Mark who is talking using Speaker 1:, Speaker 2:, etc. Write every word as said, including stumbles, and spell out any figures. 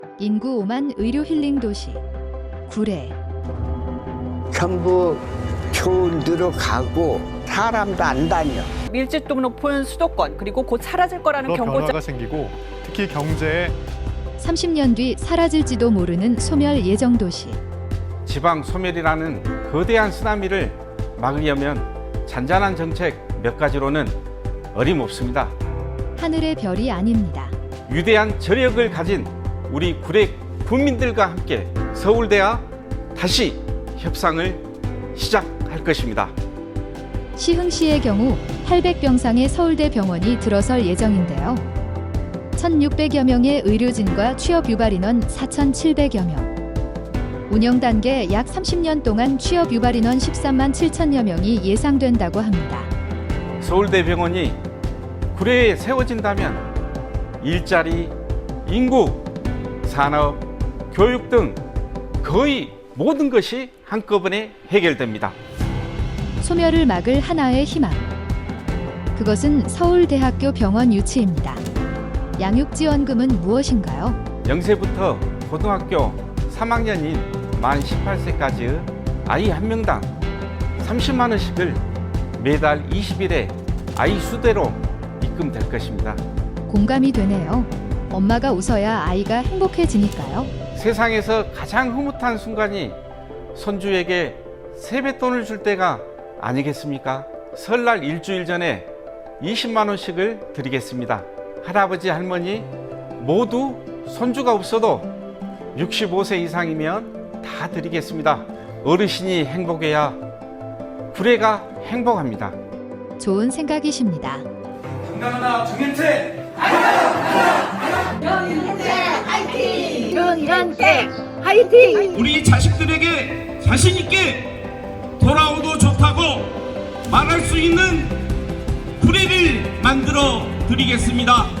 Speaker 1: 인구 오만 의료 힐링 도시 구례.
Speaker 2: 전부 초원으로 가고 사람도 안 다녀.
Speaker 3: 밀집도 높은 수도권, 그리고 곧 사라질 거라는
Speaker 4: 여러
Speaker 3: 경고장.
Speaker 4: 변화가 생기고 특히 경제에
Speaker 1: 삼십 년 뒤 사라질지도 모르는 소멸 예정 도시.
Speaker 5: 지방 소멸이라는 거대한 쓰나미를 막으려면 잔잔한 정책 몇 가지로는 어림없습니다.
Speaker 1: 하늘의 별이 아닙니다.
Speaker 5: 위대한 저력을 가진 우리 구례 군민들과 함께 서울대와 다시 협상을 시작할 것입니다.
Speaker 1: 시흥시의 경우 팔백 병상의 서울대 병원이 들어설 예정인데요. 천육백여 명의 의료진과 취업 유발 인원 사천칠백여 명. 운영 단계 약 삼십 년 동안 취업 유발 인원 십삼만 칠천여 명이 예상된다고 합니다.
Speaker 5: 서울대 병원이 구례에 세워진다면 일자리, 인구, 산업, 교육 등 거의 모든 것이 한꺼번에 해결됩니다.
Speaker 1: 소멸을 막을 하나의 희망. 그것은 서울대학교 병원 유치입니다. 양육지원금은 무엇인가요?
Speaker 5: 영세부터 고등학교 삼 학년인 만 열여덟 세까지의 아이 한 명당 삼십만 원씩을 매달 이십 일에 아이 수대로 입금될 것입니다.
Speaker 1: 공감이 되네요. 엄마가 웃어야 아이가 행복해지니까요.
Speaker 5: 세상에서 가장 흐뭇한 순간이 손주에게 세뱃돈을 줄 때가 아니겠습니까? 설날 일주일 전에 이십만 원씩을 드리겠습니다. 할아버지, 할머니 모두 손주가 없어도 육십오 세 이상이면 다 드리겠습니다. 어르신이 행복해야 구례가 행복합니다.
Speaker 1: 좋은 생각이십니다.
Speaker 5: 건강하나 정현태!
Speaker 6: 정현태 화이팅!
Speaker 7: 우리 자식들에게 자신 있게 돌아오도 좋다고 말할 수 있는 구례를 만들어 드리겠습니다.